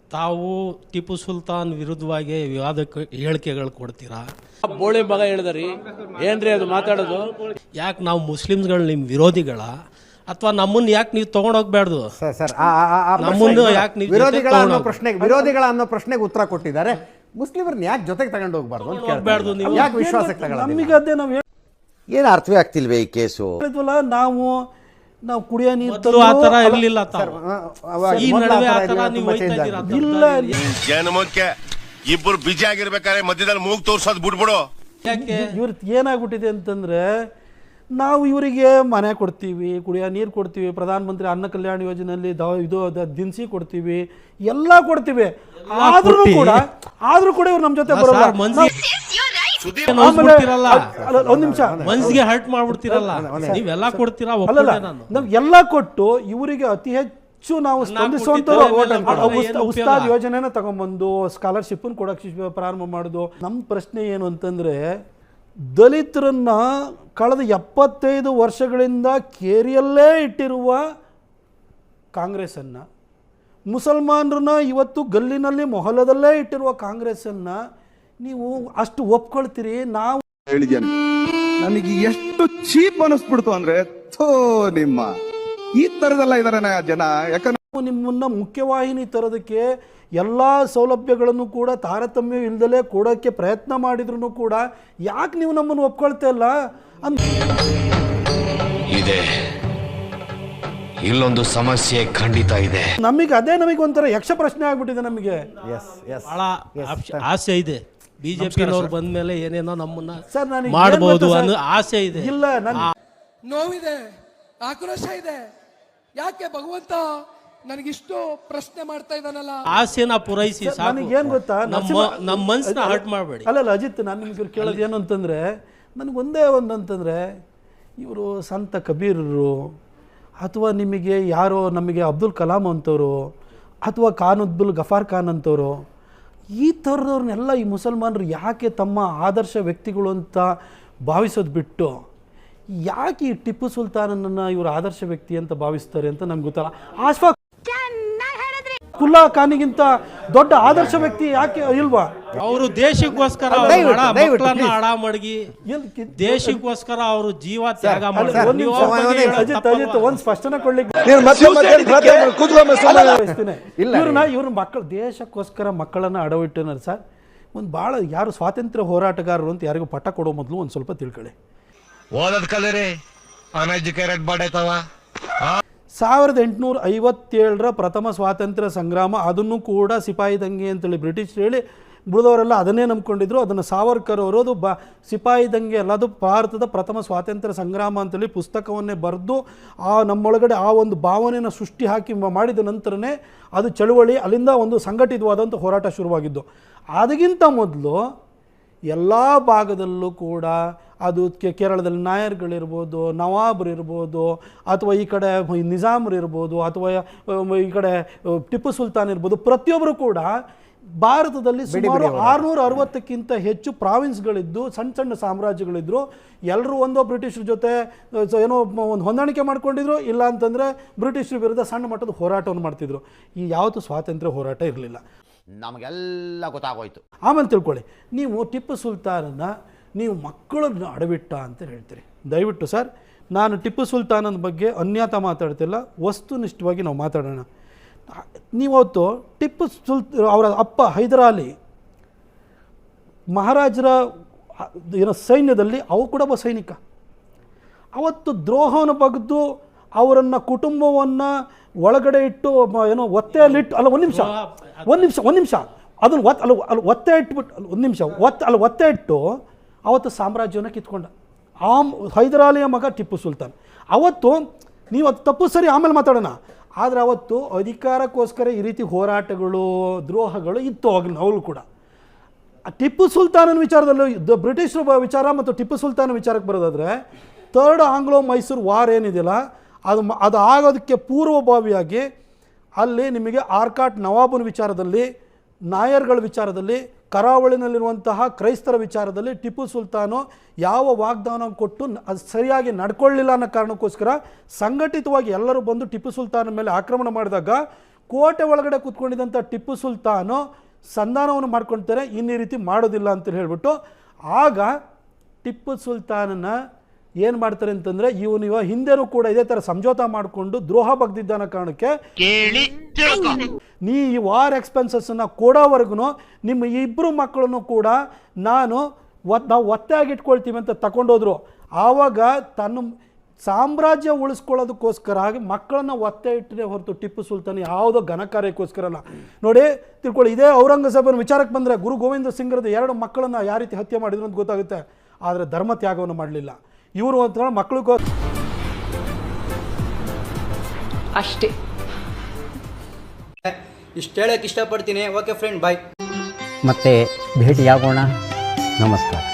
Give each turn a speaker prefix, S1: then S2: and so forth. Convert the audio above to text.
S1: ತಾವು ಟಿಪ್ಪು ಸುಲ್ತಾನ್ ವಿರುದ್ಧವಾಗಿ ವಿವಾದಕ್ಕೆ ಹೇಳಿಕೆಗಳು ಕೊಡ್ತೀರಾ?
S2: ಬೋಳಿ ಮಗ ಹೇಳಿದ್ರಿ ಏನ್ರಿ ಅದು ಮಾತಾಡೋದು?
S1: ಯಾಕೆ ನಾವು ಮುಸ್ಲಿಮ್ಸ್ಗಳು ನಿಮ್ಮ ವಿರೋಧಿಗಳ ಅಥವಾ ನಮ್ಮನ್ನು ಯಾಕೆ ನೀವು ತೊಗೊಂಡೋಗ್ಬಾರ್ದು? ನಮ್ಮನ್ನು ಯಾಕೆ ನೀವು
S3: ವಿರೋಧಿಗಳ ಅನ್ನೋ ಪ್ರಶ್ನೆಗೆ ಉತ್ತರ ಕೊಟ್ಟಿದ್ದಾರೆ. ಮುಸ್ಲಿಮರನ್ನ ಯಾಕೆ ಜೊತೆಗೆ ತಗೊಂಡು ಹೋಗ್ಬಾರ್ದು ಅಂತ
S1: ಹೋಗ್ಬಾರ್ದು ನೀವು?
S3: ಯಾಕೆ ವಿಶ್ವಾಸಕ್ಕೆ ತಗೊಳ್ಳೋದು?
S4: ನಮಗೆ ಅದೇ ನಾವು
S5: ಏನು ಅರ್ಥವೇ ಆಗ್ತಿಲ್ವೇ ಈ ಕೇಸು?
S4: ನಾವು ಕುಡಿಯೋ ನೀರು
S1: ಆ ಥರ ಇರಲಿಲ್ಲ. ಈ ನಡುವೆ ಆ ಥರ ನೀವು ಹೋಗ್ತಾ ಇದ್ದೀರಾ?
S4: ಇಲ್ಲ.
S6: ಜನಮಕ್ಕೆ ಇಬ್ಬರು ಬಿಜಿ ಆಗಿರ್ಬೇಕಾದ್ರೆ ಮಧ್ಯದಲ್ಲಿ ಮೂಗ್ ತೋರ್ಸೋದು ಬಿಡ್ಬಿಡು.
S4: ಇವ್ರ ಏನಾಗ್ಬಿಟ್ಟಿದೆ ಅಂತಂದ್ರೆ, ನಾವು ಇವರಿಗೆ ಮನೆ ಕೊಡ್ತೀವಿ, ಕುಡಿಯೋ ನೀರು ಕೊಡ್ತೀವಿ, ಪ್ರಧಾನ ಮಂತ್ರಿ ಅನ್ನ ಕಲ್ಯಾಣ ಯೋಜನೆಯಲ್ಲಿ ಇದು ದಿನಸಿ ಕೊಡ್ತೀವಿ, ಎಲ್ಲ ಕೊಡ್ತೀವಿ. ಆದ್ರೂ ಕೂಡ ಇವ್ರು ನಮ್ಮ ಜೊತೆ ಬರೋಲ್ಲ. ಒಂದ್ ನಿಮಿಷ,
S1: ಮನ್ಸಿಗೆ ಹರ್ಟ್ ಮಾಡ್ಬಿಡ್ತೀರಲ್ಲ, ನೀವೆಲ್ಲ ಕೊಡ್ತೀರಾ?
S4: ನಾವು ಎಲ್ಲ ಕೊಟ್ಟು ಇವರಿಗೆ ಅತಿ ಹೆಚ್ಚು ನಾವು ಸ್ಪಂದಿಸುವಂತ ಉಸ್ತಾದ್ ಯೋಜನೆನ ತಗೊಂಡ್ಬಂದು ಸ್ಕಾಲರ್ಶಿಪ್ ಕೊಡಕ್ಕೆ ಪ್ರಾರಂಭ ಮಾಡುದು. ನಮ್ಮ ಪ್ರಶ್ನೆ ಏನು ಅಂತಂದ್ರೆ, ದಲಿತರನ್ನ ಕಳೆದ 75 ವರ್ಷಗಳಿಂದ ಕೇರಿಯಲ್ಲೇ ಇಟ್ಟಿರುವ ಕಾಂಗ್ರೆಸ್ಸನ್ನು, ಮುಸಲ್ಮಾನರನ್ನ ಇವತ್ತು ಗಲ್ಲಿನಲ್ಲಿ ಮೊಹಲ್ಲದಲ್ಲೇ ಇಟ್ಟಿರುವ ಕಾಂಗ್ರೆಸ್ಸನ್ನು ನೀವು ಅಷ್ಟು ಒಪ್ಕೊಳ್ತೀರಿ? ನಾವು
S7: ಹೇಳಿದ್ದೇನೆ, ನನಗೆ ಎಷ್ಟು ಚೀಪ್ ಅನಿಸ್ಬಿಡ್ತು ಅಂದ್ರೆ, ಥೋ ನಿಮ್ಮ ಈ ತರದೆಲ್ಲ ಇದಾರೆ ಜನ. ಯಾಕಂದ್ರೆ
S4: ನಿಮ್ಮನ್ನ ಮುಖ್ಯವಾಹಿನಿ ತರೋದಕ್ಕೆ ಎಲ್ಲ ಸೌಲಭ್ಯಗಳನ್ನು ಕೂಡ ತಾರತಮ್ಯ ಇಲ್ದಲೇ ಕೊಡೋಕ್ಕೆ ಪ್ರಯತ್ನ ಮಾಡಿದ್ರು ಕೂಡ ಯಾಕೆ ನೀವು ನಮ್ಮನ್ನು ಒಪ್ಕೊಳ್ತಾ ಇಲ್ಲ?
S8: ಇದೆ, ಇಲ್ಲೊಂದು ಸಮಸ್ಯೆ ಖಂಡಿತ ಇದೆ.
S4: ನಮಗೆ ಒಂಥರ ಯಕ್ಷ ಪ್ರಶ್ನೆ ಆಗ್ಬಿಟ್ಟಿದೆ. ನಮಗೆ
S1: ಬಹಳ ಆಸೆ ಇದೆ, ಬಿಜೆಪಿನವ್ರು ಬಂದ ಮೇಲೆ ಏನೇನೋ ನಮ್ಮನ್ನ ಮಾಡಬಹುದು ಅನ್ನೋ ಆಸೆ ಇದೆ.
S4: ಇಲ್ಲ,
S9: ನೋವಿದೆ, ಆಕ್ರೋಶ ಇದೆ. ಯಾಕೆ ಭಗವಂತ ನನಗಿಷ್ಟು ಪ್ರಶ್ನೆ ಮಾಡ್ತಾ ಇದ್ದಾನಲ್ಲ?
S1: ಆಸೆನ ಪೂರೈಸಿ ಸಾಕು.
S4: ನನಗೇನು ಗೊತ್ತಾ,
S1: ನಮ್ಮ ಮನ್ಸನ್ನ ಹರ್ಟ್ ಮಾಡಬೇಡಿ.
S4: ಅಲ್ಲ ಅಜಿತ್, ನಾನು ನಿಮ್ಗೆ ಕೇಳೋದು ಏನು ಅಂತಂದ್ರೆ, ನನಗೊಂದೇ ಅಂತಂದ್ರೆ, ಇವರು ಸಂತ ಕಬೀರರು ಅಥವಾ ನಿಮಗೆ ಯಾರೋ ನಮಗೆ ಅಬ್ದುಲ್ ಕಲಾಂ ಅಂತವರು ಅಥವಾ ಅಬ್ದುಲ್ ಗಫಾರ್ ಖಾನ್ ಅಂತವರು, ಈ ಥರದವ್ರನ್ನೆಲ್ಲ ಈ ಮುಸಲ್ಮಾನರು ಯಾಕೆ ತಮ್ಮ ಆದರ್ಶ ವ್ಯಕ್ತಿಗಳು ಅಂತ ಭಾವಿಸೋದು ಬಿಟ್ಟು ಯಾಕೆ ಈ ಟಿಪ್ಪು ಸುಲ್ತಾನನನ್ನು ಇವರು ಆದರ್ಶ ವ್ಯಕ್ತಿ ಅಂತ ಭಾವಿಸ್ತಾರೆ ಅಂತ ನಮ್ಗೆ ಗೊತ್ತಲ್ಲ. ಆಶ್ಫಾಕ್ ಕುಲ್ಲಾ ಖಾನಿಗಿಂತ ದೊಡ್ಡ ಆದರ್ಶ ವ್ಯಕ್ತಿ ಯಾಕೆ ಇಲ್ವಾ?
S1: ಅವರು ದೇಶಕ್ಕೋಸ್ಕರ ಹಡ ಮಡಗಿ ದೇಶಕ್ಕೋಸ್ಕರ ಅವರು ಜೀವ ತ್ಯಾಗ
S4: ಒಂದು ಸ್ಪಷ್ಟನೆ ಕೊಡ್ಲಿಕ್ಕೆ ಇವ್ರ ಮಕ್ಕಳು ದೇಶಕ್ಕೋಸ್ಕರ ಮಕ್ಕಳನ್ನ ಅಡವಿಟ್ಟனர் ಸರ್. ಒಂದು ಭಾಳ ಯಾರು ಸ್ವಾತಂತ್ರ್ಯ ಹೋರಾಟಗಾರರು ಅಂತ ಯಾರಿಗೂ ಪಟ್ಟ ಕೊಡೋ ಮೊದಲು ಒಂದು ಸ್ವಲ್ಪ ತಿಳ್ಕೊಳ್ಳಿ.
S8: ಓದದ್ ಕಲರಿ ಅನ್ಎಜುಕೇಟೆಡ್ ಬಾಡೈತವ.
S4: 1857 ಪ್ರಥಮ ಸ್ವಾತಂತ್ರ್ಯ ಸಂಗ್ರಾಮ, ಅದನ್ನು ಕೂಡ ಸಿಪಾಯಿ ದಂಗೆ ಅಂತೇಳಿ ಬ್ರಿಟಿಷ್ ಹೇಳಿ ಬಿಡಿದವರೆಲ್ಲ ಅದನ್ನೇ ನಂಬ್ಕೊಂಡಿದ್ರು. ಅದನ್ನು ಸಾವರ್ಕರ್ ಅವರು ಅದು ಸಿಪಾಯಿ ದಂಗೆ ಅಲ್ಲ, ಅದು ಭಾರತದ ಪ್ರಥಮ ಸ್ವಾತಂತ್ರ್ಯ ಸಂಗ್ರಾಮ ಅಂತೇಳಿ ಪುಸ್ತಕವನ್ನೇ ಬರೆದು ನಮ್ಮೊಳಗಡೆ ಆ ಒಂದು ಭಾವನೆಯನ್ನು ಸೃಷ್ಟಿ ಹಾಕಿ ಮಾಡಿದ ನಂತರನೇ ಅದು ಚಳುವಳಿ, ಅಲ್ಲಿಂದ ಒಂದು ಸಂಘಟಿತವಾದಂಥ ಹೋರಾಟ ಶುರುವಾಗಿದ್ದು. ಅದಕ್ಕಿಂತ ಮೊದಲು ಎಲ್ಲ ಭಾಗದಲ್ಲೂ ಕೂಡ ಅದು ಕೇರಳದಲ್ಲಿ ನಾಯರ್ಗಳಿರ್ಬೋದು, ನವಾಬರಿರ್ಬೋದು, ಅಥವಾ ಈ ಕಡೆ ನಿಜಾಮರಿರ್ಬೋದು, ಅಥವಾ ಈ ಕಡೆ ಟಿಪ್ಪು ಸುಲ್ತಾನ್ ಇರ್ಬೋದು, ಪ್ರತಿಯೊಬ್ಬರು ಕೂಡ ಭಾರತದಲ್ಲಿ ಸುಮಾರು 660ಕ್ಕಿಂತ ಹೆಚ್ಚು ಪ್ರಾವಿನ್ಸ್ಗಳಿದ್ದು ಸಣ್ಣ ಸಣ್ಣ ಸಾಮ್ರಾಜ್ಯಗಳಿದ್ರು. ಎಲ್ಲರೂ ಒಂದೋ ಬ್ರಿಟಿಷರ ಜೊತೆ ಏನೋ ಒಂದು ಹೊಂದಾಣಿಕೆ ಮಾಡ್ಕೊಂಡಿದ್ರು, ಇಲ್ಲ ಅಂತಂದರೆ ಬ್ರಿಟಿಷರ ವಿರುದ್ಧ ಸಣ್ಣ ಮಟ್ಟದ ಹೋರಾಟವನ್ನು ಮಾಡ್ತಿದ್ರು. ಈ ಯಾವತ್ತೂ ಸ್ವಾತಂತ್ರ್ಯ ಹೋರಾಟ ಇರಲಿಲ್ಲ.
S5: ನಮಗೆಲ್ಲ ಗೊತ್ತಾಗೋಯ್ತು.
S4: ಆಮೇಲೆ ತಿಳ್ಕೊಳ್ಳಿ, ನೀವು ಟಿಪ್ಪು ಸುಲ್ತಾನನ್ನ ನೀವು ಮಕ್ಕಳನ್ನು ಅಡವಿಟ್ಟ ಅಂತ ಹೇಳ್ತೀರಿ. ದಯವಿಟ್ಟು ಸರ್, ನಾನು ಟಿಪ್ಪು ಸುಲ್ತಾನನ ಬಗ್ಗೆ ಅನ್ಯಾತ ಮಾತಾಡ್ತಿಲ್ಲ, ವಸ್ತುನಿಷ್ಠವಾಗಿ ನಾವು ಮಾತಾಡೋಣ. ನೀವತ್ತು ಟಿಪ್ಪು ಅವರ ಅಪ್ಪ ಹೈದರಾಲಿ ಮಹಾರಾಜರ ಸೈನ್ಯದಲ್ಲಿ ಅವು ಕೂಡ ಒಬ್ಬ ಸೈನಿಕ. ಅವತ್ತು ದ್ರೋಹವನ್ನು ಬಗೆದು ಅವರನ್ನು ಕುಟುಂಬವನ್ನು ಒಳಗಡೆ ಇಟ್ಟು ಒತ್ತೆಯಲ್ಲಿಟ್ಟು, ಅಲ್ಲ ಒಂದು ನಿಮಿಷ ಅದನ್ನು ಒತ್ತೆ ಇಟ್ಬಿಟ್ಟು ಒತ್ತೆ ಇಟ್ಟು ಅವತ್ತು ಸಾಮ್ರಾಜ್ಯವನ್ನು ಕಿತ್ಕೊಂಡ ಹೈದರಾಲಿಯ ಮಗ ಟಿಪ್ಪು ಸುಲ್ತಾನ್. ಅವತ್ತು ನೀವು ಅದು ತಪ್ಪು ಸರಿ ಆಮೇಲೆ ಮಾತಾಡೋಣ, ಆದರೆ ಅವತ್ತು ಅಧಿಕಾರಕ್ಕೋಸ್ಕರ ಈ ರೀತಿ ಹೋರಾಟಗಳು ದ್ರೋಹಗಳು ಇತ್ತು ಅವಾಗಲೂ ಕೂಡ. ಟಿಪ್ಪು ಸುಲ್ತಾನನ ವಿಚಾರದಲ್ಲೂ ಬ್ರಿಟಿಷರ ವಿಚಾರ ಮತ್ತು ಟಿಪ್ಪು ಸುಲ್ತಾನ ವಿಚಾರಕ್ಕೆ ಬರೋದಾದರೆ, 3rd ಆಂಗ್ಲೋ ಮೈಸೂರು ವಾರ್ ಏನಿದೆಯಲ್ಲ, ಅದು ಆಗೋದಕ್ಕೆ ಪೂರ್ವಭಾವಿಯಾಗಿ ಅಲ್ಲಿ ನಿಮಗೆ ಆರ್ಕಾಟ್ ನವಾಬನ ವಿಚಾರದಲ್ಲಿ, ನಾಯರ್ಗಳ ವಿಚಾರದಲ್ಲಿ, ಕರಾವಳಿನಲ್ಲಿರುವಂತಹ ಕ್ರೈಸ್ತರ ವಿಚಾರದಲ್ಲಿ ಟಿಪ್ಪು ಸುಲ್ತಾನು ಯಾವ ವಾಗ್ದಾನ ಕೊಟ್ಟು ಅದು ಸರಿಯಾಗಿ ನಡ್ಕೊಳ್ಳಿಲ್ಲ ಅನ್ನೋ ಕಾರಣಕ್ಕೋಸ್ಕರ ಸಂಘಟಿತವಾಗಿ ಎಲ್ಲರೂ ಬಂದು ಟಿಪ್ಪು ಸುಲ್ತಾನ ಮೇಲೆ ಆಕ್ರಮಣ ಮಾಡಿದಾಗ ಕೋಟೆ ಒಳಗಡೆ ಕೂತ್ಕೊಂಡಿದ್ದಂಥ ಟಿಪ್ಪು ಸುಲ್ತಾನು ಸಂಧಾನವನ್ನು ಮಾಡ್ಕೊಳ್ತಾರೆ, ಇನ್ನು ಈ ರೀತಿ ಮಾಡೋದಿಲ್ಲ ಅಂತ ಹೇಳ್ಬಿಟ್ಟು ಆಗ ಟಿಪ್ಪು ಸುಲ್ತಾನನ ಏನು ಮಾಡ್ತಾರೆ ಅಂತಂದರೆ ಇವನು ಹಿಂದೆನೂ ಕೂಡ ಇದೇ ಥರ ಸಮझौता ಮಾಡಿಕೊಂಡು ದ್ರೋಹ ಬಗ್ದಿದ್ದಾನ ಕಾರಣಕ್ಕೆ ನೀ ಈ ವಾರ್ ಎಕ್ಸ್ಪೆನ್ಸಸ್ಸನ್ನು ಕೊಡೋವರೆಗೂ ನಿಮ್ಮ ಇಬ್ಬರು ಮಕ್ಕಳನ್ನು ಕೂಡ ನಾವು ಒತ್ತಾಗಿ ಇಟ್ಕೊಳ್ತೀವಿ ಅಂತ ತಗೊಂಡೋದ್ರು. ಆವಾಗ ತನ್ನ ಸಾಮ್ರಾಜ್ಯ ಉಳಿಸ್ಕೊಳ್ಳೋದಕ್ಕೋಸ್ಕರ ಮಕ್ಕಳನ್ನ ಒತ್ತೆ ಇಟ್ಟರೆ ಹೊರತು ಟಿಪ್ಪು ಸುಲ್ತಾನ್ ಯಾವುದೋ ಘನಕಾರ್ಯಕ್ಕೋಸ್ಕರ ಅಲ್ಲ. ನೋಡಿ ತಿಳ್ಕೊಳ್ಳಿ, ಇದೇ ಔರಂಗಜೇಬನ ವಿಚಾರಕ್ಕೆ ಬಂದರೆ ಗುರು ಗೋವಿಂದ ಸಿಂಗ್ರದ್ದು 2 ಮಕ್ಕಳನ್ನು ಯಾವ ರೀತಿ ಹತ್ಯೆ ಮಾಡಿದ್ರು ಅಂತ ಗೊತ್ತಾಗುತ್ತೆ. ಆದರೆ ಧರ್ಮ ತ್ಯಾಗವನ್ನು ಮಾಡಲಿಲ್ಲ ಇವರು ಅಂತ ಮಕ್ಕಳಿಗೂ
S10: ಅಷ್ಟೇ. ಇಷ್ಟು ಹೇಳಕ್ಕೆ ಇಷ್ಟಪಡ್ತೀನಿ. Okay friend, bye.
S11: ಮತ್ತೆ ಭೇಟಿಯಾಗೋಣ. ನಮಸ್ಕಾರ.